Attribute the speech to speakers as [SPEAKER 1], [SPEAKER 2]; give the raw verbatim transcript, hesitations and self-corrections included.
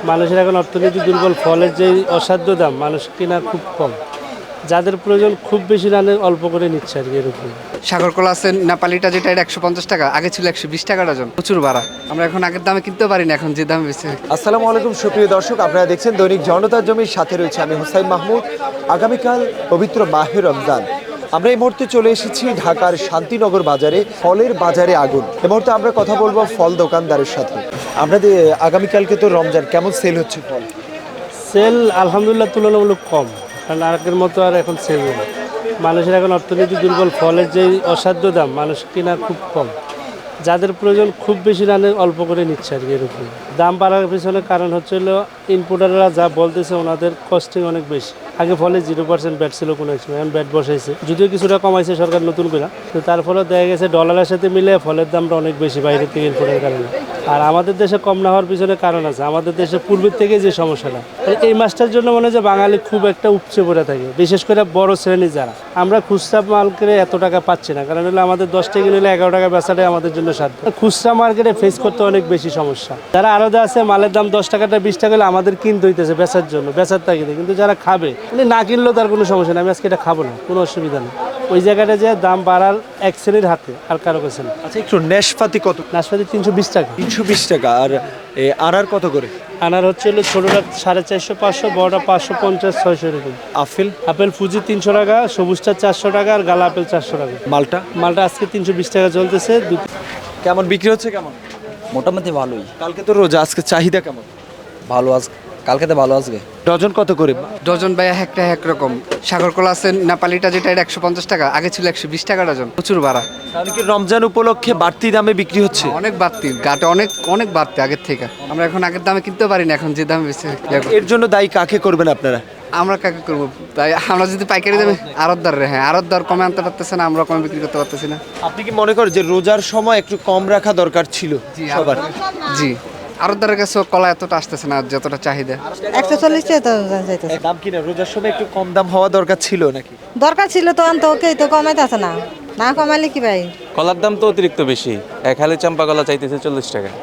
[SPEAKER 1] মানুষের এখন অর্থনীতি দুর্বল, ফলের যে অসাধ্য দাম মানুষ কেনা খুব কম, যাদের প্রয়োজন খুব বেশি রানে অল্প করে নিচ্ছে আর কি এরকম।
[SPEAKER 2] সাগরকলা আছে নেপালিটা, যেটা এটা একশো পঞ্চাশ টাকা, আগে ছিল একশো বিশ টাকা ডজন, প্রচুর বাড়া। আমরা এখন আগের দামে কিনতে পারি না, এখন যে দামে বেশি।
[SPEAKER 3] আসসালামু আলাইকুম সুপ্রিয় দর্শক, আপনারা দেখছেন দৈনিক জনতার জমির সাথে রয়েছে আমি হুসাইন মাহমুদ। আগামীকাল পবিত্র মাহে রমজান। আমরা এই মুহূর্তে চলে এসেছি ঢাকার শান্তিনগর বাজারে, ফলের বাজারে আগুন। এই মুহূর্তে আমরা কথা বলবো ফল দোকানদারের সাথে। আপনাদের আগামীকালকে তো রমজান, কেমন সেল হচ্ছে ফল?
[SPEAKER 1] সেল আলহামদুলিল্লাহ তুলনামূলক কম, কারণ আগের মতো আর এখন সেল নেই। মানুষের এখন অর্থনীতি দুর্বল, ফলের যে অসাধ্য দাম মানুষ কেনা খুব কম, যাদের প্রয়োজন খুব বেশি রানে অল্প করে নিচ্ছে আর কি এরকম। দাম বাড়ার পিছনে কারণ হচ্ছে হলো ইনপুটাররা যা বলতেছে ওনাদের কস্টিং অনেক বেশি। আগে ফলে জিরো পার্সেন্ট ব্যাট ছিল কোনো সময়, এখন ব্যাট বসাইছে, যদিও কিছুটা কমাইছে সরকার নতুন করে, তো তার ফলে দেখা গেছে ডলারের সাথে মিলে ফলের দামটা অনেক বেশি বাইরে থেকে ইনপুটের কারণে। আর আমাদের দেশে কম না হওয়ার পিছনে কারণ আছে, আমাদের দেশে পূর্বের থেকে যে সমস্যাটা, এই মাসটার জন্য মনে হয় যে বাঙালি খুব একটা উপচে পড়ে থাকে, বিশেষ করে বড় শ্রেণী যারা। আমরা খুচরা মাল করে এত টাকা পাচ্ছি না, কারণ হলো আমাদের দশ টাকা নিলে এগারো টাকা বেচাটাই আমাদের জন্য সাধ্য। খুচরা মার্কেটে ফেস করতে অনেক বেশি সমস্যা। যারা আলাদা আছে মালের দাম দশ টাকাটা বিশ টাকা হলে আমাদের কিনতে হইতেছে বেচার জন্য, বেচার তাগিদে। কিন্তু যারা খাবে না কিনলেও তার কোনো সমস্যা নেই, আমি আজকে এটা খাবো না, কোনো অসুবিধা নেই। ওই জায়গাটা যে দাম বাড়ার এক শ্রেণীর হাতে, আর কারো কাছে না।
[SPEAKER 3] আচ্ছা, একটু নাশপাতি কত?
[SPEAKER 1] নাশপাতি তিনশো বিশ টাকা।
[SPEAKER 3] তিনশো বিশ টাকা। আর এ, আনার কত করে?
[SPEAKER 1] আনার হচ্ছে হলো ছোটোটা সাড়ে চারশো পাঁচশো, বড়টা পাঁচশো পঞ্চাশ ছয়শো এরকম।
[SPEAKER 3] আপেল?
[SPEAKER 1] আপেল ফুজি তিনশো টাকা, সবুজটা চারশো টাকা, আর গালা আপেল চারশো টাকা।
[SPEAKER 3] মালটা?
[SPEAKER 1] মালটা আজকে তিনশো বিশ টাকা চলতেছে।
[SPEAKER 3] কেমন বিক্রি হচ্ছে? কেমন?
[SPEAKER 4] মোটামুটি ভালোই।
[SPEAKER 3] কালকে তো রোজা, আজকে চাহিদা কেমন?
[SPEAKER 4] ভালো আজ কালকে তো ভালো আজকে।
[SPEAKER 3] ডজন কত করে?
[SPEAKER 2] ডজন ভাই একটা এক রকম। সাগরকলা আছে নেপালিটা, যেটা এটা একশো পঞ্চাশ টাকা, আগে ছিল একশো বিশ টাকা ডজন, প্রচুর বাড়া।
[SPEAKER 3] তাহলে কি রমজান উপলক্ষে বাড়তি দামে বিক্রি হচ্ছে?
[SPEAKER 2] অনেক বাড়তি, গাটে অনেক অনেক বাড়তি আগের থেকে। আমরা এখন আগের দামে কিনতে পারি না, এখন যে দামে বেশি।
[SPEAKER 3] এর জন্য দায়ী কাকে করবেন আপনারা?
[SPEAKER 2] আমরা কাকে করবো? তাই আমরা যদি পাইকারি দামে আড়তদার রে, হ্যাঁ আড়তদার কমে আনতে পারতেছে না, আমরা কমে বিক্রি করতে পারতেছি না।
[SPEAKER 3] আপনি কি মনে করেন যে রোজার সময় একটু কম রাখা দরকার ছিল সবার?
[SPEAKER 2] জি, আড়তদারের কাছে কলা এতটা আসতেছে না যতটা চাহিদা।
[SPEAKER 5] একশো চল্লিশ টাকা যাইতেছে।
[SPEAKER 3] দাম কিনা রোজার সময় একটু কম দাম হওয়া দরকার ছিল নাকি?
[SPEAKER 5] দরকার ছিল তো আনতো, ওকে তো কমাইতেছে না, না কমাইলে কি ভাই?
[SPEAKER 6] কলার দাম তো অতিরিক্ত বেশি, এক হালি চাম্পা কলা চাইতেছে চল্লিশ টাকা।